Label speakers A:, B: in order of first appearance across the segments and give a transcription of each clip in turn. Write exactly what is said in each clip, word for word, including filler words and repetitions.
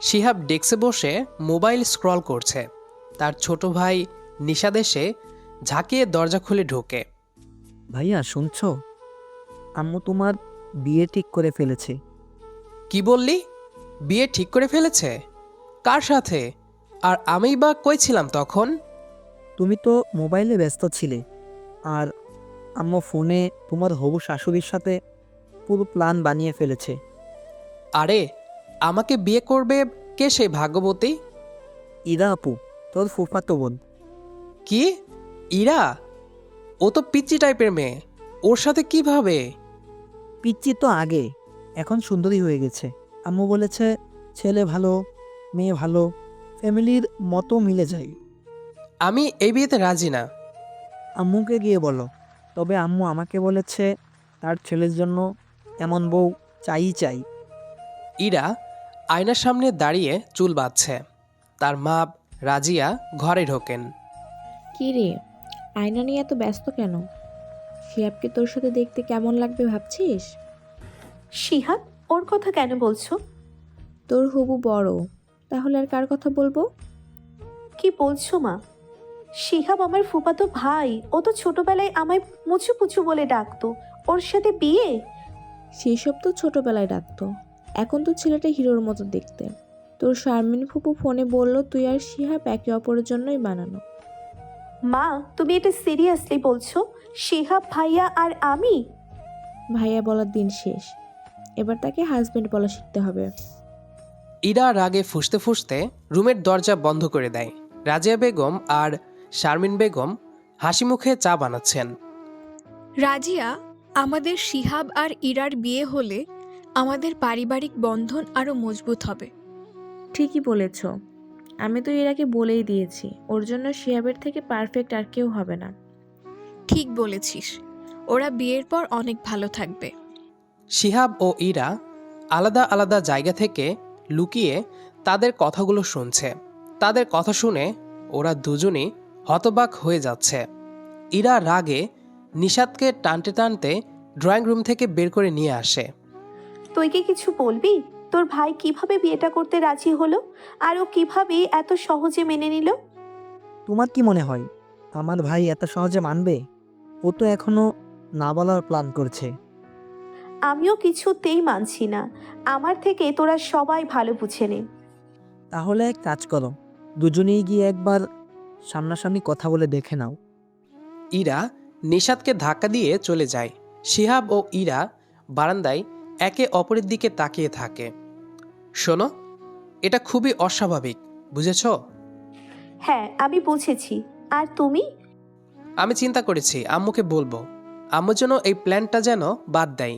A: শিহাব ডেস্কে বসে mobile scroll করছে। তার ছোট ভাই নিশাদ এসে ঝাঁকিয়ে দরজা খুলে ঢোকে।
B: ভাইয়া শুনছো, আম্মু তোমার বিয়ে ঠিক করে ফেলেছে।
A: কি বললি? বিয়ে ঠিক করে ফেলেছে? কার সাথে? আর আমিই বা কই ছিলাম তখন?
B: তুমি তো মোবাইলে ব্যস্ত ছিলে, আর আম্মু ফোনে তোমার হবু শাশুড়ির সাথে পুরো প্ল্যান বানিয়ে ফেলেছে।
A: আরে, আমাকে বিয়ে করবে কে সেই ভাগ্যবতী?
B: ইরা আপু, তোর ফুফাতো বোন।
A: কি? ইরা? ও তো পিচ্চি টাইপের মেয়ে, ওর সাথে কিভাবে?
B: পিচ্চি তো আগে, এখন সুন্দরী হয়ে গেছে। আম্মু বলেছে ছেলে ভালো, মেয়ে ভালো, ফ্যামিলির মতো মিলে যায়।
A: আমি এই বিয়েতে রাজি না।
B: আম্মুকে গিয়ে বলো। তবে আম্মু আমাকে বলেছে তার ছেলের জন্য এমন বউ চাই চাই।
A: ইরা আয়নার সামনে দাঁড়িয়ে চুল বাঁধছে। তার মা রাজিয়া ঘরে ঢোকেন।
C: কি রে, আয়না নিয়ে এত ব্যস্ত কেন? শিহাবকে তোর সাথে দেখতে কেমন লাগবে ভাবছিস?
D: শিহাব, ওর কথা কেন বলছো?
C: তোর হবু বড়, তাহলে আর কার কথা বলবো?
D: কি বলছো মা? শিহাব আমার ফুফাতো ভাই, ও তো ছোটবেলায় আমায় মুচু পুচু বলে ডাকতো। ওর সাথে বিয়ে?
C: সেসব তো ছোটবেলায় ডাকতো, এখন তো ছেলেটা হিরোর মতো দেখতে। তোর শারমিন ফুপু ফোনে বলল তুই আর শিহাব একে অপরের জন্যই বানানো।
D: মা, তুমি এটা সিরিয়াসলি বলছো? শিহাব ভাইয়া আর আমি?
C: ভাইয়া বলার দিন শেষ, এবার তাকে হাজবেন্ড বলা শিখতে হবে।
A: ইরা রাগে ফুঁসতে ফুঁসতে রুমের দরজা বন্ধ করে দেয়। রাজিয়া বেগম আর শারমিন বেগম হাসি মুখে চা বানাচ্ছেন।
E: রাজিয়া, আমাদের শিহাব আর ইরার বিয়ে হলে আমাদের পারিবারিক বন্ধন আরও মজবুত হবে।
C: ঠিকই বলেছ, আমি তো ইরাকে বলেই দিয়েছি ওর জন্য শিহাবের থেকে পারফেক্ট আর কেউ হবে না।
E: ঠিক বলেছিস, ওরা বিয়ের পর অনেক ভালো থাকবে।
A: শিহাব ও ইরা আলাদা আলাদা জায়গা থেকে লুকিয়ে তাদের কথাগুলো শুনছে। তাদের কথা শুনে ওরা দুজনই হতবাক হয়ে যাচ্ছে। ইরা রাগে নিশাদকে টানতে টানতে ড্রয়িং রুম থেকে বের করে নিয়ে আসে।
D: তুই কি কিছু বলবি? তোর ভাই কিভাবে বিয়েটা করতে রাজি হলো, আর ও কিভাবে এত সহজে মেনে নিল?
B: তোমার কি মনে হয় আমার ভাই এত সহজে মানবে? ও তো এখনো না বলার প্ল্যান করছে।
D: আমিও কিছুতেই মানছি না। আমার থেকে তোরা সবাই ভালো বুঝে নে।
B: তাহলে এক কাজ করো, দুজনেই গিয়ে একবার সামনাসামনি কথা বলে দেখে নাও।
A: ইরা নিশাদকে ধাক্কা দিয়ে চলে যায়। শিহাব ও ইরা বারান্দায় একে অপরের দিকে তাকিয়ে থাকে। শোনো, এটা খুবই অস্বাভাবিক, বুঝেছো?
D: হ্যাঁ, আমি বুঝেছি। আর তুমি?
A: আমি চিন্তা করেছি আম্মুকে বলবো, আম্মু যেন এই প্ল্যানটা যেন বাদ দেয়।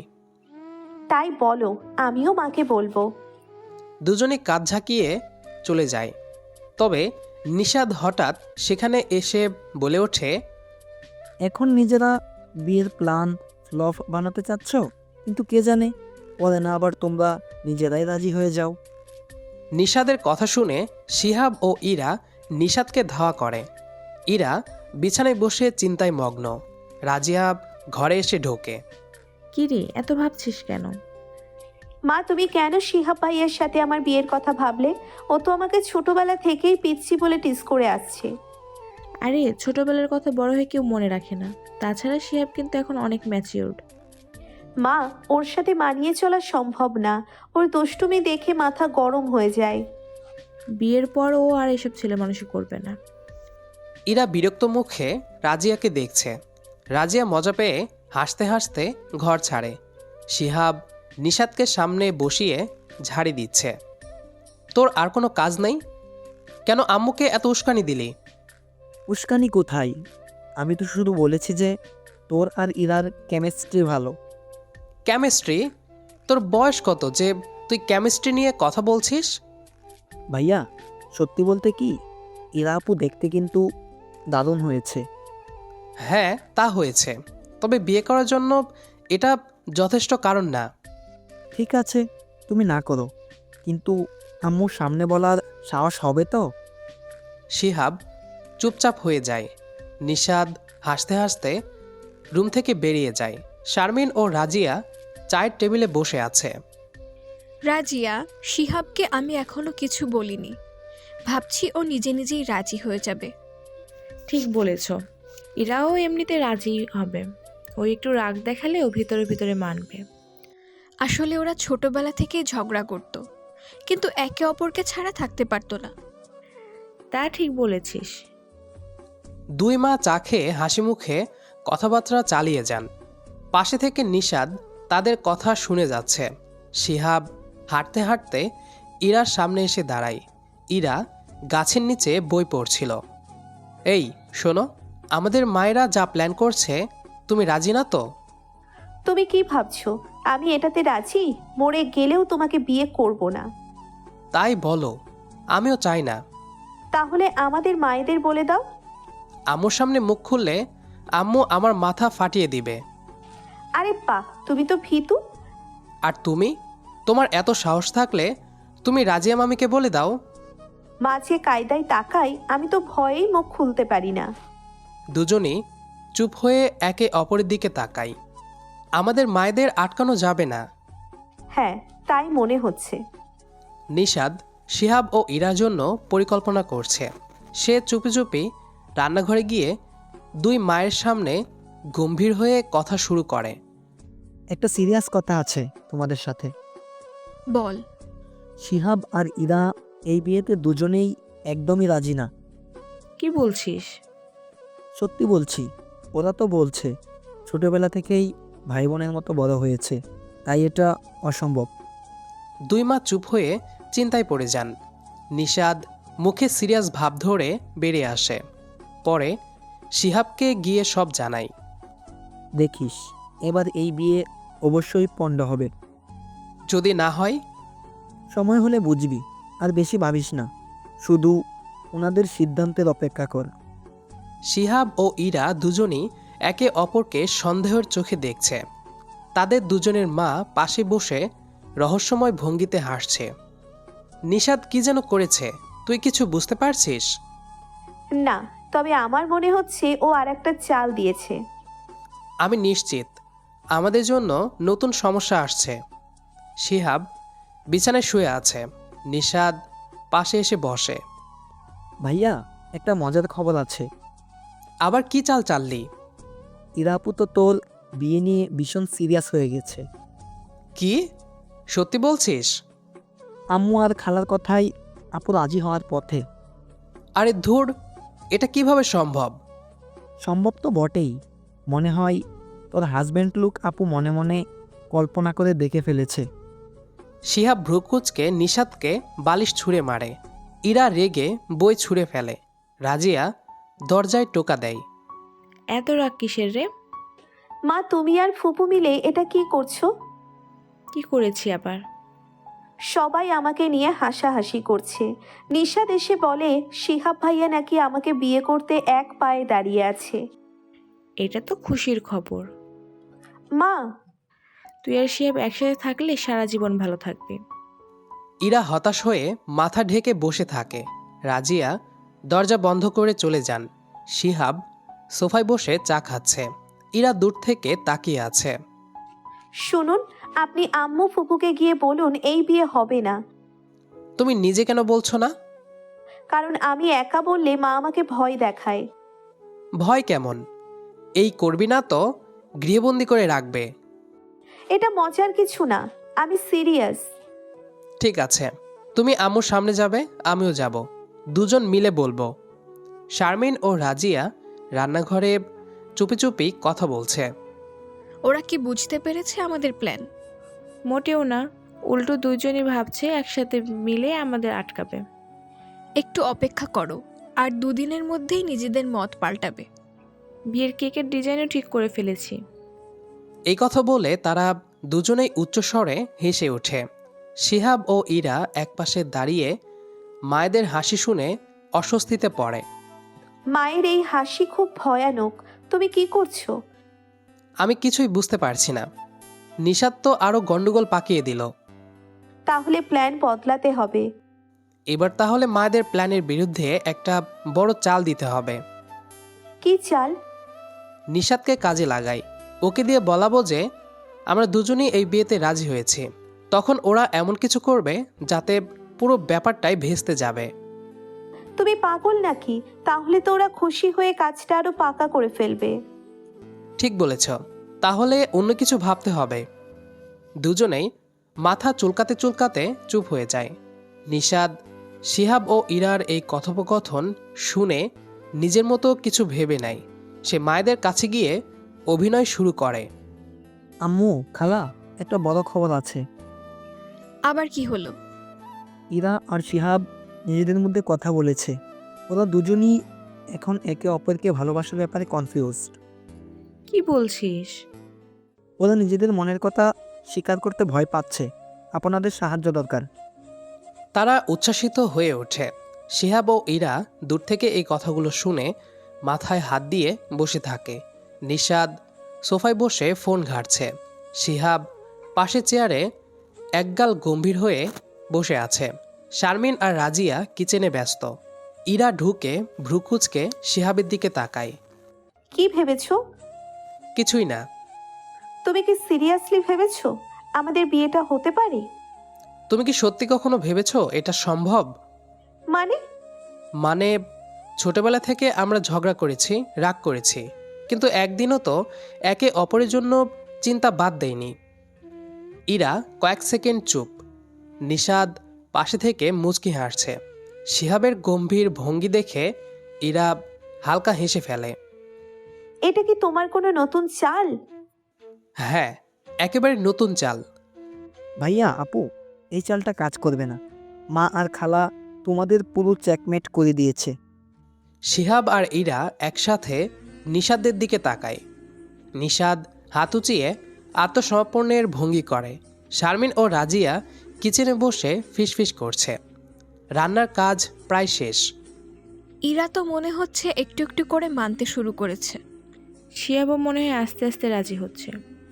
D: তাই বলো, আমিও মাকে বলবো।
A: দুজনে কাঁধ ঝাঁকিয়ে চলে যায়। তবে নিশাদ হঠাৎ সেখানে এসে বলে ওঠে,
B: এখন নিজেরা বিয়ের প্ল্যান ফ্লপ বানাতে চাচ্ছ, কিন্তু কে জানে পরে না আবার তোমরা নিজেরাই রাজি হয়ে যাও।
A: নিশাদের কথা শুনে শিহাব ও ইরা নিশাদকে ধাওয়া করে। ইরা বিছানায় বসে চিন্তায় মগ্ন। রাজিয়া ঘরে এসে ঢোকে।
C: কি রে, এত ভাবছিস কেন?
D: মা, তুমি কেন শিহাব ভাইয়ের সাথে আমার বিয়ের কথা ভাবলে? ও তো আমাকে ছোটবেলা থেকেই পিচ্ছি বলে টিস করে আসছে।
C: আরে, ছোটবেলার কথা বড় হয়ে কেউ মনে রাখে না। তাছাড়া শিহাব কিন্তু এখন অনেক ম্যাচিউরড।
D: মা, ওর সাথে মানিয়ে চলা সম্ভব না। ওর দুষ্টুমি দেখে মাথা গরম হয়ে যায়।
C: বিয়ের পর ও আর এসব ছেলে মানুষই করবে না।
A: ইরা বিরক্ত মুখে রাজিয়াকে দেখছে। রাজিয়া মজা পেয়ে হাসতে হাসতে ঘর ছাড়ে। শিহাব নিশাদকে সামনে বসিয়ে ঝাড়ি দিচ্ছে। তোর আর কোনো কাজ নেই? কেন আম্মুকে এত উস্কানি দিলি?
B: উস্কানি কোথায়? আমি তো শুধু বলেছি যে তোর আর ইরার কেমিস্ট্রি ভালো।
A: কেমিস্ট্রি? তোর বয়স কত যে তুই কেমিস্ট্রি নিয়ে কথা বলছিস?
B: ভাইয়া, সত্যি বলতে কি, ইরা আপু দেখতে কিন্তু দারুণ হয়েছে।
A: হ্যাঁ, তা হয়েছে, তবে বিয়ে করার জন্য এটা যথেষ্ট কারণ না।
B: ঠিক আছে, তুমি না করো, কিন্তু আম্মুর সামনে বলার সাহস হবে তো?
A: শিহাব চুপচাপ হয়ে যায়। নিশাদ হাসতে হাসতে রুম থেকে বেরিয়ে যায়। শারমিন ও রাজিয়া চায়ের টেবিলে বসে আছে।
E: রাজিয়া, শিহাবকে আমি এখনো কিছু বলিনি। ভাবছি ও নিজে নিজেই রাজি হয়ে যাবে।
C: ঠিক বলেছ, ইরাও এমনিতে রাজি হবে। ও একটু রাগ দেখালে ও ভিতরে ভিতরে মানবে।
E: আসলে ওরা ছোটবেলা থেকেই ঝগড়া করত, কিন্তু একে অপরকে ছাড়া থাকতে পারতো না।
C: তা ঠিক বলেছিস।
A: দুই মা চা খেয়ে হাসি মুখে কথাবার্তা চালিয়ে যান। পাশে থেকে নিশাদ তাদের কথা শুনে যাচ্ছে। শিহাব হাঁটতে হাঁটতে ইরার সামনে এসে দাঁড়ায়। ইরা গাছের নিচে বই পড়ছিল। এই শোনো, আমাদের মায়েরা যা প্ল্যান করছে, তুমি রাজি না তো?
D: তুমি কি ভাবছো আমি এটাতে রাজি? মরে গেলেও তোমাকে বিয়ে করব না।
A: তাই বলো, আমিও চাই না।
D: তাহলে আমাদের মায়েদের বলে দাও।
A: আম্মুর সামনে মুখ খুললে আম্মু আমার মাথা ফাটিয়ে দিবে।
D: আরে বাহ, তুমি তো ভীতু।
A: আর তুমি, তোমার এত সাহস থাকলে তুমি রাজিয়া মামিকে বলে দাও।
D: মাঝে কায়দায় তাকাই, আমি তো ভয়েই মুখ খুলতে পারি না।
A: দুজনই চুপ হয়ে একে অপরের দিকে তাকাই। আমাদের মায়েদের আটকানো যাবে না।
D: হ্যাঁ, তাই মনে হচ্ছে।
A: নিশাদ শিহাব ও ইরার জন্য পরিকল্পনা করছে। সে চুপি চুপি রান্নাঘরে গিয়ে দুই মায়ের সামনে গম্ভীর হয়ে কথা শুরু করে।
B: একটা সিরিয়াস কথা আছে তোমাদের সাথে।
E: বল।
B: শিহাব আর ইরা এই বিয়েতে দুজনেই একদমই রাজি না।
C: কি বলছিস?
B: সত্যি বলছি, ওরা তো বলছে ছোটবেলা থেকেই ভাই বোনের মতো বড় হয়েছে, তাই এটা অসম্ভব।
A: দুই মা চুপ হয়ে চিন্তায় পড়ে যান। নিশাদ মুখে সিরিয়াস ভাব ধরে বেরিয়ে আসে। পরে শিহাবকে গিয়ে সব জানাই।
B: দেখিস, এবার এই বিয়ে অবশ্যই পণ্ড হবে।
A: যদি না হয়?
B: সময় হলে বুঝবি। আর বেশি ভাবিস না, শুধু ওনাদের সিদ্ধান্তের অপেক্ষা কর।
A: শিহাব ও ইরা দুজনই একে অপরকে সন্দেহের চোখে দেখছে। তাদের দুজনের মা পাশে বসে রহস্যময় ভঙ্গিতে হাসছে। নিশাদ কি যেন করেছে, তুই কিছু বুঝতে পারছিস?
D: না, তবে আমার মনে হচ্ছে ও আর একটা চাল দিয়েছে।
A: আমি নিশ্চিত আমাদের জন্য নতুন সমস্যা আসছে। শিহাব বিছানায় শুয়ে আছে। নিশাদ পাশে এসে বসে।
B: ভাইয়া, একটা মজার খবর আছে।
A: আবার কি চাল চাললি?
B: ইরাপু তো তোর বিয়ে নিয়ে ভীষণ সিরিয়াস হয়ে গেছে।
A: কি সত্যি বলছিস?
B: আম্মু আর খালার কথাই আপু রাজি হওয়ার পথে।
A: আরে ধুর, এটা কিভাবে সম্ভব?
B: সম্ভব তো বটেই। মনে হয় তোর হাজব্যান্ড লুক আপু মনে মনে কল্পনা করে দেখে ফেলেছে।
A: শিহাব ভ্রুকুচকে নিশাদকে বালিশ ছুঁড়ে মারে। ইরা রেগে বই ছুঁড়ে ফেলে। রাজিয়া দরজায় টোকা দেয়।
C: এত রাগ কিসের রে?
D: মা, তুমি আর ফুপু মিলে এটা কি করছো?
C: কি করেছি আবার?
D: সবাই আমাকে নিয়ে হাসাহাসি করছে। নিশাদ এসে বলে শিহাব ভাইয়া নাকি আমাকে বিয়ে করতে এক পায়ে দাঁড়িয়ে আছে।
C: এটা তো খুশির খবর।
D: মা,
C: তুই আর শিহাব একসাথে থাকলে সারা জীবন ভালো থাকবি।
A: ইরা হতাশ হয়ে মাথা ঢেকে বসে থাকে। রাজিয়া দরজা বন্ধ করে চলে যান। শিহাব সোফায় বসে চা খাচ্ছে। ইরা দূর থেকে তাকিয়ে আছে।
D: শুনুন, আপনি আম্মু ফুপুকে গিয়ে বলুন এই বিয়ে হবে না।
A: তুমি নিজে কেন বলছো না?
D: কারণ আমি একা বললে মা আমাকে ভয় দেখায়।
A: ভয় কেমন? এই করবি না তো গৃহবন্দী করে রাখবে।
D: এটা মজার কিছু না, আমি সিরিয়াস।
A: ঠিক আছে, তুমি আম্মুর সামনে যাবে, আমিও যাব। দুজন মিলে বলবো। শারমিন ও রাজিয়া রান্নাঘরে চুপি চুপি কথা বলছে।
E: ওরা কি বুঝতে পেরেছে আমাদের প্ল্যান?
C: মোটেও না, উল্টো দুইজনই ভাবছে একসাথে মিলে আমাদের আটকাবে।
E: একটু অপেক্ষা করো, আর দুদিনের মধ্যেই নিজেদের মত পাল্টাবে।
C: বিয়ের কেকের ডিজাইনও ঠিক করে ফেলেছি।
A: এই কথা বলে তারা দুজনেই উচ্চস্বরে হেসে ওঠে। শিহাব ও ইরা একপাশে দাঁড়িয়ে মায়েদের হাসি শুনে অস্বস্তিতে পড়ে।
D: মায়ের এই হাসি খুব ভয়ানক। তুমি কি করছো?
A: আমি কিছুই বুঝতে পারছি না। নিশাদ তো আরও গন্ডগোল পাকিয়ে দিল।
D: তাহলে প্ল্যান বদলাতে হবে।
A: এবার তাহলে মায়েদের প্ল্যানের বিরুদ্ধে একটা বড় চাল দিতে হবে।
D: কি চাল?
A: নিশাদকে কাজে লাগাই। ওকে দিয়ে বলাবো যে আমরা দুজনেই এই বিয়েতে রাজি হয়েছি। তখন ওরা এমন কিছু করবে যাতে পুরো ব্যাপারটাই ভেস্তে যাবে।
D: তুমি পাগল নাকি? তাহলে তো ওরা খুশি হয়ে কাজটা আরো পাকা করে ফেলবে।
A: ঠিক বলেছ, তাহলে অন্য কিছু ভাবতে হবে। দুজনেই মাথা চুলকাতে চুলকাতে চুপ হয়ে যায়। নিশাদ শিহাব ও ইরার এই কথোপকথন শুনে নিজের মতো কিছু ভেবে নেয়। সে মায়েদের কাছে গিয়ে অভিনয় শুরু করে।
B: আম্মু, খালা, একটা বড় খবর আছে।
E: আবার কি হলো?
B: ইরা আর শিহাব নিজেদের মধ্যে কথা বলেছে। ওরা দুজনই এখন একে অপরকে ভালোবাসার ব্যাপারে কনফিউজড।
C: কি বলছিস?
B: ওরা নিজেদের মনের কথা স্বীকার করতে ভয় পাচ্ছে। আপনাদের সাহায্য দরকার।
A: তারা উচ্ছ্বাসিত হয়ে ওঠে। শিহাব ও ইরা দূর থেকে এই কথাগুলো শুনে মাথায় হাত দিয়ে বসে থাকে। নিশাদ সোফায় বসে ফোন ঘাঁটছে। শিহাব পাশে চেয়ারে একগাল গম্ভীর হয়ে বসে আছে। শারমিন আর রাজিয়া কিচেনে ব্যস্ত। ইরা ঢুকে ভ্রুকুচকে শিহাবের দিকে তাকায়।
D: কি ভেবেছো?
A: কিছুই না।
D: তুমি কি সিরিয়াসলি ভেবেছো আমাদের বিয়েটা হতে পারে?
A: তুমি কি সত্যি কখনো ভেবেছো এটা সম্ভব?
D: মানে?
A: মানে ছোটবেলা থেকে আমরা ঝগড়া করেছি, রাগ করেছি, কিন্তু একদিনও তো একে অপরের জন্য চিন্তা বাদ দেয়নি। ইরা কয়েক সেকেন্ড চুপ। নিশাদ পাশে থেকে মুচকি হাসছে। শিহাবের গম্ভীর ভঙ্গি দেখে ইরা হালকা হেসে ফেলে।
D: এটা কি তোমার কোনো নতুন চাল?
A: হ্যাঁ, একেবারে নতুন চাল।
B: ভাইয়া, আপু, এই চালটা কাজ করবে না। মা আর খালা তোমাদের পুরো চেকমেট করে দিয়েছে।
A: শিহাব আর ইরা একসাথে নিশাদের দিকে তাকায়। নিশাদ হাত উঁচিয়ে আত্মসমর্পণের ভঙ্গি করে। শারমিন ও রাজিয়া কিচেনে বসে ফিসফিস করছে। রান্নার কাজ প্রায় শেষ।
E: ইরা তো মনে হচ্ছে একটু একটু করে মানতে শুরু করেছে।
C: শিয়াবও মনে হয় আস্তে আস্তে রাজি হচ্ছে।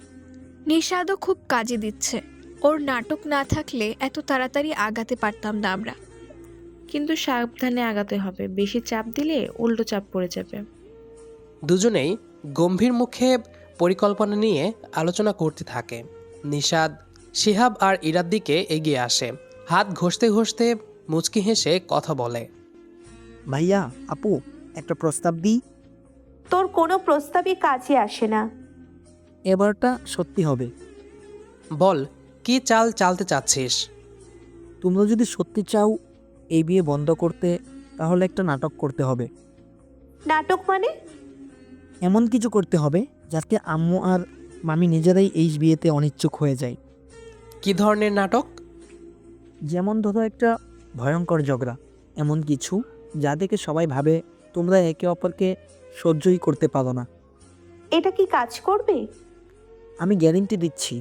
E: নিশাদও খুব কাজে দিচ্ছে। ওর নাটক না থাকলে এত তাড়াতাড়ি আগাতে পারতাম না আমরা।
C: কিন্তু সাবধানে আগাতে হবে, বেশি চাপ দিলে উল্টো চাপ পড়ে যাবে।
A: দুজনেই গম্ভীর মুখে পরিকল্পনা নিয়ে আলোচনা করতে থাকে। নিশাদ শিহাব আর ইরার দিকে এগিয়ে আসে। হাত ঘষতে ঘষতে মুচকি হেসে কথা বলে।
B: ভাইয়া, আপু, একটা প্রস্তাব দিই।
D: তোর কোনো প্রস্তাবই কাজে আসে না।
B: এবারটা সত্যি হবে।
A: বল, কি চাল চালতে চাচ্ছিস?
B: তোমরা যদি সত্যি চাও এই বিয়ে বন্ধ করতে, তাহলে একটা নাটক করতে হবে।
D: নাটক মানে?
B: এমন কিছু করতে হবে যাতে আম্মু আর মামি নিজেরাই এই বিয়েতে অনিচ্ছুক হয়ে যায়।
A: কি ধরনের নাটক?
B: যেমন ধরো একটা ভয়ঙ্কর ঝগড়া, এমন কিছু যা দেখে সবাই ভাবে তোমরা একে অপরকে সহ্যই করতে পারো না।
D: এটা কি কাজ করবে?
B: আমি গ্যারেন্টি দিচ্ছি।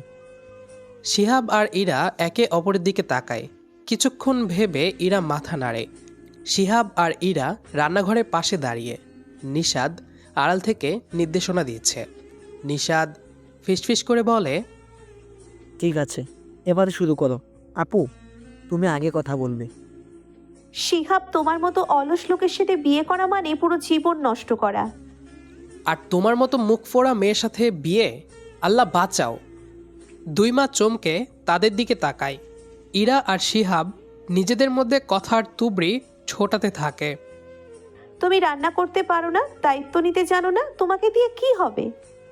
A: শিহাব আর ইরা একে অপরের দিকে তাকায়। কিছুক্ষণ ভেবে ইরা মাথা নাড়ে। শিহাব আর ইরা রান্নাঘরের পাশে দাঁড়িয়ে। নিশাদ আড়াল থেকে নির্দেশনা দিচ্ছে। নিশাদ ফিসফিস করে বলে,
B: ঠিক আছে, এবারে শুরু করো। আপু, তুমি আগে কথা বলবে।
D: শিহাব, তোমার মতো অলস লোকের সাথে বিয়ে করা মানে পুরো জীবন নষ্ট করা।
A: আর তোমার মতো মুখ ফোড়া মেয়ের সাথে বিয়ে? আল্লাহ বাঁচাও। দুই মা চমকে তাদের দিকে তাকায়। ইরা আর শিহাব নিজেদের মধ্যে কথার তুবড়ি ছোটাতে থাকে।
D: তুমি রান্না করতে পারো না, দায়িত্ব নিতে জানো না, তোমাকে দিয়ে কি হবে?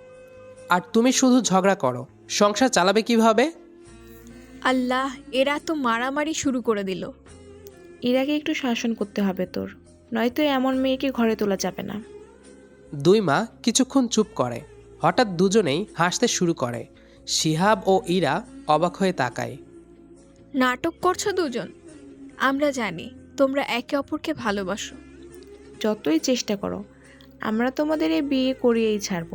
A: আর তুমি শুধু ঝগড়া করো, সংসার চালাবে কিভাবে?
E: আল্লাহ, এরা তো মারামারি শুরু করে দিল।
C: ইরাকে একটু শাসন করতে হবে তোর, নয়তো এমন মেয়েকে ঘরে তোলা যাবে না।
A: দুই মা কিছুক্ষণ চুপ করে। হঠাৎ দুজনেই হাসতে শুরু করে। শিহাব ও ইরা অবাক হয়ে তাকায়।
E: নাটক করছো দুজন? আমরা জানি তোমরা একে অপরকে ভালোবাসো।
C: যতই চেষ্টা করো, আমরা তোমাদের এই বিয়ে করিয়েই ছাড়বো।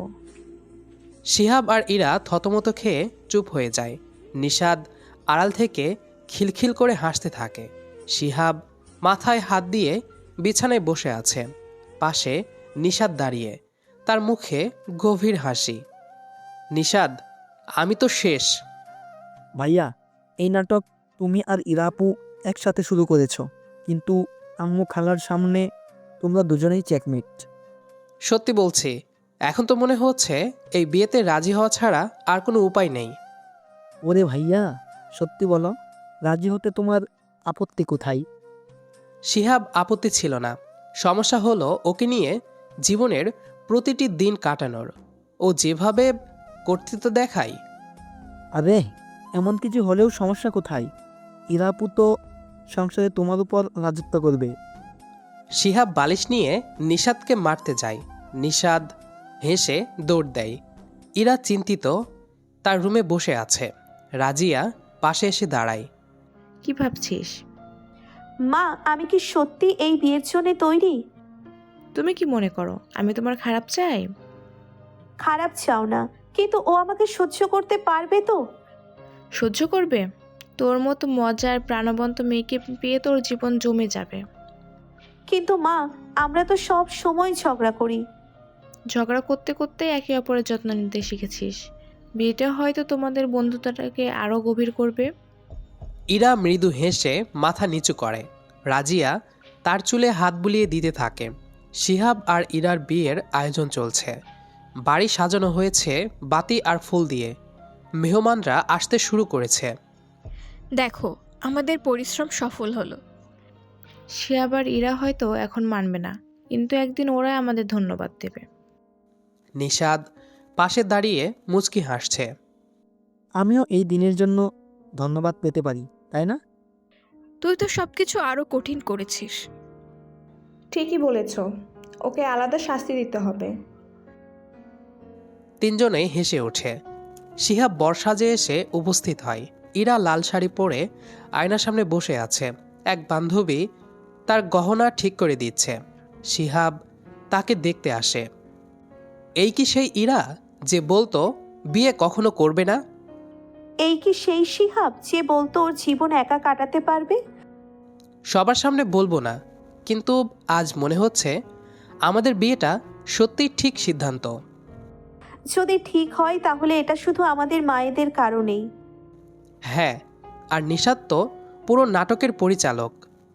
A: শিহাব আর ইরা থতমত খেয়ে চুপ হয়ে যায়। নিশাদ আড়াল থেকে খিলখিল করে হাসতে থাকে। শিহাব মাথায় হাত দিয়ে বিছানায় বসে আছে। পাশে নিশাদ দাঁড়িয়ে, তার মুখে গভীর হাসি। নিশাদ, আমি তো শেষ।
B: ভাইয়া, এই নাটক তুমি আর ইরাপু একসাথে শুরু করেছো, কিন্তু আম্মু খালার সামনে তোমরা দুজনেই চেকমেট।
A: সত্যি বলছি, এখন তো মনে হচ্ছে এই বিয়েতে রাজি হওয়া ছাড়া আর কোনো উপায় নেই।
B: ওরে ভাইয়া, সত্যি বলো, রাজি হতে তোমার আপত্তি কোথায়?
A: শিহাব আপত্তি ছিল না। সমস্যা হলো ওকে নিয়ে জীবনের প্রতিটি দিন কাটানোর। ও যেভাবে কর্তৃত্ব দেখায়।
B: আরে, এমন কিছু হলেও সমস্যা কোথায়? ইরাপু তো সংসারে তোমার উপর রাজত্ব করবে।
A: শিহাব বালিশ নিয়ে নিষাদকে মারতে যায়। নিষাদ হেসে দৌড় দেয়। ইরা চিন্তিত তার রুমে বসে আছে। রাজিয়া পাশে এসে দাঁড়ায়।
C: কি ভাবছিস?
D: মা, আমি কি সত্যি এই বিয়ের জন্য তৈরি?
C: তুমি কি মনে করো আমি তোমার খারাপ চাই?
D: খারাপ চাও না, কিন্তু ও আমাকে সহ্য করতে পারবে তো?
C: সহ্য করবে? তোর মতো মজার প্রাণবন্ত মেয়েকে পেয়ে তোর জীবন জমে যাবে।
D: কিন্তু মা, আমরা তো সব সময় ঝগড়া করি।
C: ঝগড়া করতে করতে একে অপরের যত্ন নিতে শিখেছিস। বিয়েটা হয়তো তোমাদের বন্ধুত্বটাকে আরও গভীর করবে।
A: ইরা মৃদু হেসে মাথা নিচু করে। রাজিয়া তার চুলে হাত বুলিয়ে দিতে থাকে। শিহাব আর ইরার বিয়ের আয়োজন চলছে। বাড়ি সাজানো হয়েছে বাতি আর ফুল দিয়ে। মেহমানরা আসতে শুরু করেছে।
E: দেখো, আমাদের পরিশ্রম সফল হলো।
C: সে আবার ইরা হয়তো এখন মানবে না, কিন্তু একদিন ওরাই আমাদের ধন্যবাদ দেবে।
A: নিষাদ পাশে দাঁড়িয়ে মুচকি হাসছে।
B: আমিও এই দিনের জন্য ধন্যবাদ পেতে পারি, তাই না?
E: তুই তো সবকিছু আরো কঠিন করেছিস।
C: ঠিকই বলেছ, ওকে আলাদা শাস্তি দিতে হবে।
A: তিনজনেই হেসে ওঠে। শিহাব বর্ষাজে এসে উপস্থিত হয়। ইরা লাল শাড়ি পরে আয়নার সামনে বসে আছে। এক বান্ধবী তার গহনা ঠিক করে দিচ্ছে। শিহাব তাকে দেখতে আসে। এই কি সেই ইরা যে বলতো বিয়ে কখনো করবে না?
D: এই কি সেই শিহাব যে বলতো ওর জীবন একা কাটাতে পারবে?
A: সবার সামনে বলবো না, কিন্তু আজ মনে হচ্ছে আমাদের বিয়েটা সত্যিই ঠিক সিদ্ধান্ত।
D: যদি ঠিক হয় তাহলে এটা শুধু আমাদের মায়েদের কারণেই।
A: হ্যাঁ, আর নিষাদ তো পুরো নাটকের পরিচালক।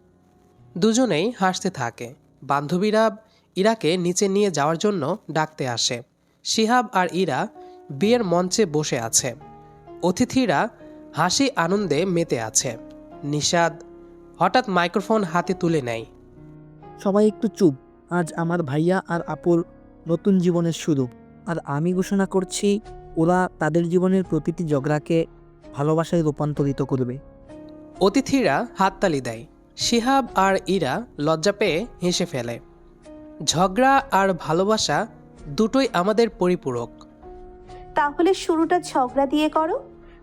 A: দুজনেই হাসতে থাকে। বান্ধবীরা ইরাকে নিচে নিয়ে যাওয়ার জন্য ডাকতে আসে। শিহাব আর ইরা বিয়ের মঞ্চে বসে আছে। অতিথিরা হাসি আনন্দে মেতে আছে। নিষাদ হঠাৎ মাইক্রোফোন হাতে তুলে নেয়।
B: সবাই একটু চুপ। আজ আমার ভাইয়া আর আপুর নতুন জীবনের শুরু। আর আমি ঘোষণা করছি, ওরা তাদের জীবনের প্রতিটি ঝগড়াকে ভালোবাসায় রূপান্তরিত করবে।
A: অতিথিরা হাততালি দেয়। শিহাব আর ইরা লজ্জা পেয়ে হেসে ফেলে। ঝগড়া আর ভালোবাসা দুটোই আমাদের পরিপূরক।
D: তাহলে শুরুটা ঝগড়া দিয়ে করো।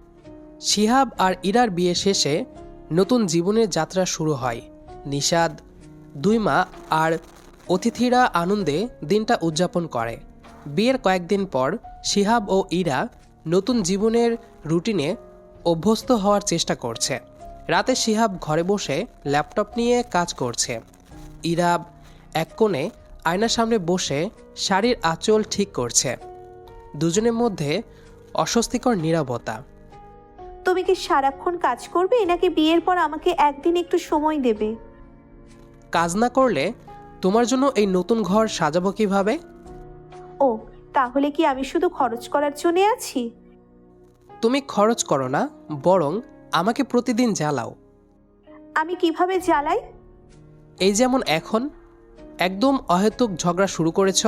A: শিহাব আর ইরার বিয়ে শেষে নতুন জীবনের যাত্রা শুরু হয়। নিষাদ, দুই মা আর অতিথিরা আনন্দে দিনটা উদযাপন করে। বিয়ের কয়েকদিন পর শিহাব ও ইরা নতুন জীবনের রুটিনে অভ্যস্ত হওয়ার চেষ্টা করছে। রাতে শিহাব ঘরে বসে ল্যাপটপ নিয়ে কাজ করছে। ইরা এক কোণে আয়নার সামনে বসে শাড়ির আঁচল ঠিক করছে। দুজনের মধ্যে অস্বস্তিকর নীরবতা।
D: তুমি কি সারাক্ষণ কাজ করবে নাকি বিয়ের পর আমাকে একদিন একটু সময় দেবে?
A: কাজ না করলে তোমার জন্য এই নতুন ঘর সাজাবো কিভাবে?
D: ও, তাহলে কি আমি শুধু খরচ করার জন্য আছি?
A: তুমি খরচ করো না, বরং আমাকে প্রতিদিন জ্বালাও।
D: আমি কিভাবে জ্বালাই?
A: এই যেমন এখন একদম অহেতুক ঝগড়া শুরু করেছ।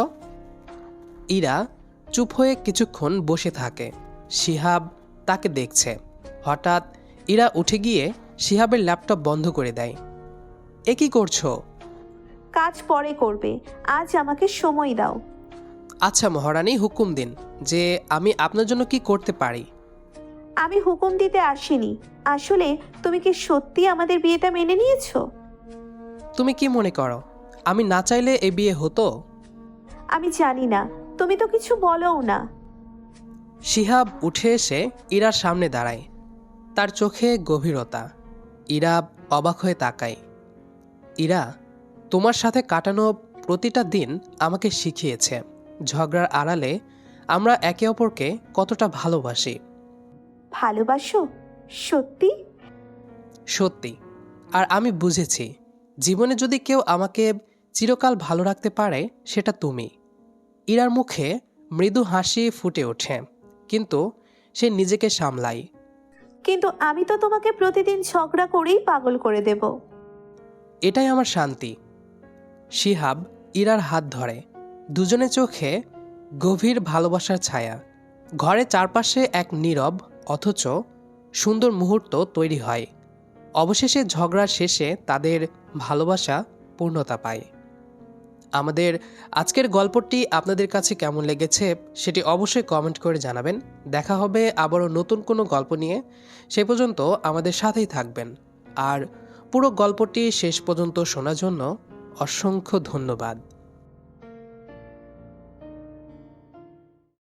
A: ইরা চুপ হয়ে কিছুক্ষণ বসে থাকে। শিহাব তাকে দেখছে। হঠাৎ ইরা উঠে গিয়ে শিহাবের ল্যাপটপ বন্ধ করে দেয়। এ কি করছো?
D: কাজ পরে করবে, আজ আমাকে সময় দাও।
A: আচ্ছা মহারানী, হুকুম দিন যে আমি আপনার জন্য কি করতে পারি।
D: আমি হুকুম দিতে আসিনি। আসলে তুমি কি সত্যি আমাদের বিয়েটা মেনে নিয়েছো?
A: তুমি কি মনে করো আমি না চাইলে এ বিয়ে হতো?
D: আমি জানি না, তুমি তো কিছু বলোও না।
A: শিহাব উঠে এসে ইরার সামনে দাঁড়ায়। তার চোখে গভীরতা। ইরা অবাক হয়ে তাকায়। ইরা, তোমার সাথে কাটানো প্রতিটা দিন আমাকে শিখিয়েছে ঝগড়ার আড়ালে আমরা একে অপরকে কতটা ভালোবাসি।
D: ভালোবাসো? সত্যি?
A: সত্যি। আর আমি বুঝেছি জীবনে যদি কেউ আমাকে চিরকাল ভালো রাখতে পারে সেটা তুমি। ইরার মুখে মৃদু হাসি ফুটে ওঠে, কিন্তু সে নিজেকে সামলায়।
D: কিন্তু আমি তো তোমাকে প্রতিদিন ঝগড়া করেই পাগল করে দেব।
A: এটাই আমার শান্তি। শিহাব ইরার হাত ধরে। দুজনে চোখে গভীর ভালোবাসার ছায়া। ঘরের চারপাশে এক নীরব অথচ সুন্দর মুহূর্ত তৈরি হয়। অবশেষে ঝগড়ার শেষে তাদের ভালোবাসা পূর্ণতা পায়। আমাদের আজকের গল্পটি আপনাদের কাছে কেমন লেগেছে সেটি অবশ্যই কমেন্ট করে জানাবেন। দেখা হবে আবারও নতুন কোনো গল্প নিয়ে। সে পর্যন্ত আমাদের সাথেই থাকবেন। আর পুরো গল্পটি শেষ পর্যন্ত শোনার জন্য অসংখ্য ধন্যবাদ।